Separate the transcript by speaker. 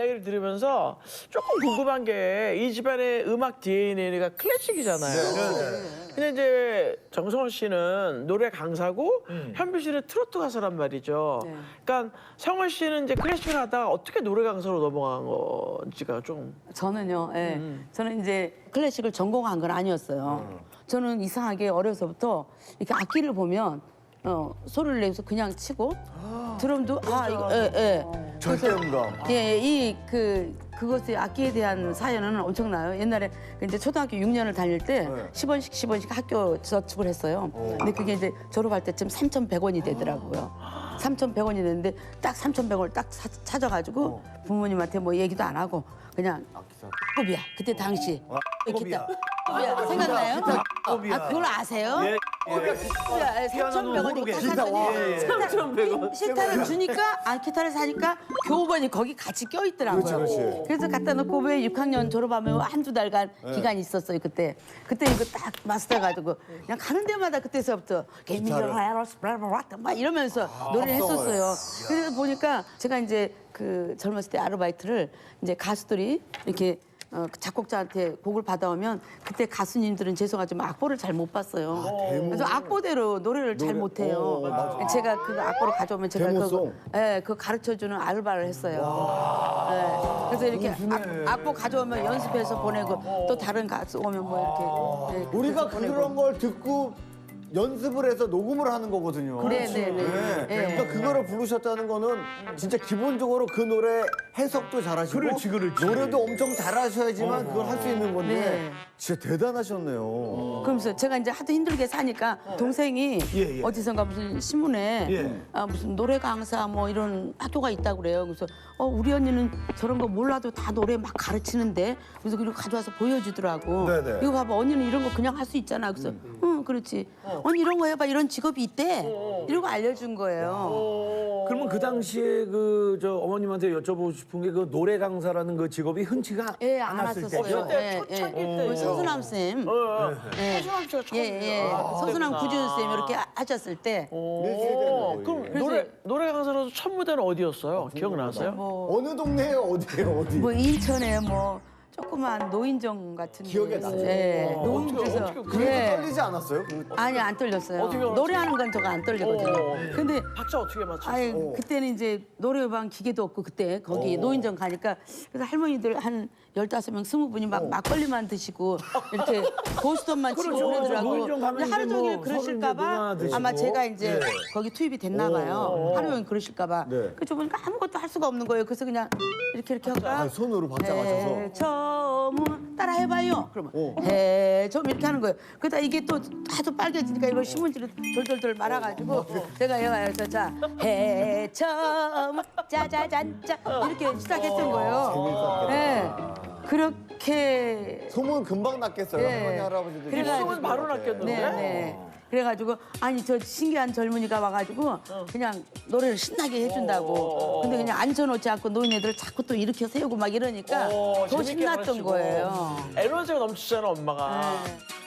Speaker 1: 이야기를 들으면서 조금 궁금한 게 이 집안의 음악 DNA가 클래식이잖아요. 근데 이제 정성원 씨는 노래 강사고 현빈 씨는 트로트 가수란 말이죠. 그러니까 성원 씨는 이제 클래식을 하다가 어떻게 노래 강사로 넘어간 건지가 좀.
Speaker 2: 저는요, 예. 저는 이제 클래식을 전공한 건 아니었어요. 저는 이상하게 어려서부터 이렇게 악기를 보면 소리를 내서 그냥 치고 드럼도 이거
Speaker 3: 절대음감.
Speaker 2: 그것의 악기에 대한 사연은 엄청나요. 옛날에 이제 초등학교 6년을 다닐 때 10원씩 학교 저축을 했어요. 근데 그게 이제 졸업할 때쯤 3,100원이 되더라고요. 3,100원이 됐는데 딱 3,100원을 딱 찾아가지고 부모님한테 뭐 얘기도 안 하고 그냥 악기비야. 그때 당시 기타. 악기비야. 생각나요? 그걸 아세요?
Speaker 4: 예.
Speaker 2: 3,100원이고 딱 샀더니
Speaker 1: 3,100원.
Speaker 2: 기타를 주니까 기타를 사니까 교본이 거기 같이 껴있더라고요.
Speaker 3: 그렇지.
Speaker 2: 그래서 갖다 놓고 왜 6학년 졸업하면 한두 달간 기간이 있었어요 그때. 그때 이거 딱 마스터해가지고 그냥 가는 데마다 그때서부터 막 이러면서 노래를 했었어요. 그래서 보니까 제가 이제 그 젊었을 때 아르바이트를 이제 가수들이 이렇게 작곡자한테 곡을 받아오면 그때 가수님들은 죄송하지만 악보를 잘 못 봤어요. 그래서 악보대로 노래를 잘 못해요. 제가 그 악보를 가져오면 제가
Speaker 3: 데모송?
Speaker 2: 그거 가르쳐주는 알바를 했어요. 그래서 이렇게 악보 가져오면 연습해서 보내고 또 다른 가수 오면 뭐 이렇게
Speaker 3: 우리가 그런 걸 듣고 연습을 해서 녹음을 하는 거거든요.
Speaker 2: 네네네.
Speaker 3: 그러니까 그거를 부르셨다는 거는 진짜 기본적으로 그 노래 해석도 잘하시고
Speaker 4: 그렇지.
Speaker 3: 노래도 엄청 잘하셔야지만 그걸 할 수 있는 건데
Speaker 2: 네.
Speaker 3: 진짜 대단하셨네요.
Speaker 2: 그러면서 제가 이제 하도 힘들게 사니까 동생이
Speaker 4: 예.
Speaker 2: 어디선가 무슨 신문에
Speaker 4: 예.
Speaker 2: 무슨 노래 강사 뭐 이런 학교가 있다고 그래요. 그래서 우리 언니는 저런 거 몰라도 다 노래 막 가르치는데 그래서 그리고 가져와서 보여주더라고.
Speaker 3: 네네.
Speaker 2: 이거 봐봐 언니는 이런 거 그냥 할 수 있잖아. 그래서 응 그렇지. 언니 이런 거 해봐 이런 직업이 있대. 이러고 알려준 거예요.
Speaker 4: 그러면 그 당시에 저 어머님한테 여쭤보고 싶은 게 그 노래 강사라는 그 직업이 흔치가
Speaker 2: 예, 안
Speaker 4: 않았을
Speaker 2: 왔었어요.
Speaker 4: 때죠?
Speaker 1: 초창기 때.
Speaker 2: 우리 서수남 쌤.
Speaker 1: 서수남 씨가 처음이에요.
Speaker 2: 서수남 구준 쌤 이렇게 하셨을 때.
Speaker 1: 그럼 노래 강사로서 첫 무대는 어디였어요? 기억나세요?
Speaker 3: 어느 동네에 어디예요? 어디?
Speaker 2: 뭐 인천에 뭐 조그만 노인정 같은
Speaker 3: 기억에
Speaker 2: 데서,
Speaker 3: 나죠?
Speaker 2: 예, 노인정에서
Speaker 1: 어떻게
Speaker 3: 그래도 떨리지 않았어요?
Speaker 2: 아니 안 떨렸어요.
Speaker 1: 어떻게 맞췄어요?
Speaker 2: 노래하는 건 저가 안 떨리거든요. 근데
Speaker 1: 박자 어떻게 맞췄어요?
Speaker 2: 아니 그때는 이제 노래방 기계도 없고 그때 거기 노인정 가니까 그래서 할머니들 한 15명, 20분이 막 막걸리만 드시고 이렇게 고스톱만 치고
Speaker 4: 그렇죠.
Speaker 2: 그러더라고요.
Speaker 4: 노인정 가면
Speaker 2: 근데 하루
Speaker 4: 이제
Speaker 2: 종일
Speaker 4: 뭐
Speaker 2: 그러실까
Speaker 4: 서로 이제
Speaker 2: 봐
Speaker 4: 문화 드시고.
Speaker 2: 아마 제가 이제 거기 투입이 됐나 봐요. 하루 종일 그러실까 봐.
Speaker 3: 네.
Speaker 2: 그래서 보니까 아무것도 할 수가 없는 거예요. 그래서 그냥 이렇게 할까?
Speaker 3: 손으로 박자 맞춰서.
Speaker 2: 점은 따라 해봐요. 그러면 해점 이렇게 하는 거예요. 그러다 이게 또 하도 빨개지니까 이걸 신문지로 돌돌돌 말아가지고 제가 여기서 자 해점 짜자잔짜 이렇게 시작했던 거예요. 네. 그렇게
Speaker 3: 소문 금방 났겠어요.
Speaker 2: 네.
Speaker 3: 할머니 할아버지들.
Speaker 2: 그래가지고
Speaker 1: 소문 바로 났겠는데?
Speaker 2: 네. 그래가지고 아니 저 신기한 젊은이가 와가지고 그냥 노래를 신나게 해준다고. 근데 그냥 앉혀놓지 않고 노인네들을 자꾸 또 일으켜 세우고 막 이러니까 더
Speaker 1: 재밌게
Speaker 2: 신났던
Speaker 1: 가르치고.
Speaker 2: 거예요.
Speaker 1: 에너지가 넘치잖아 엄마가.
Speaker 2: 네.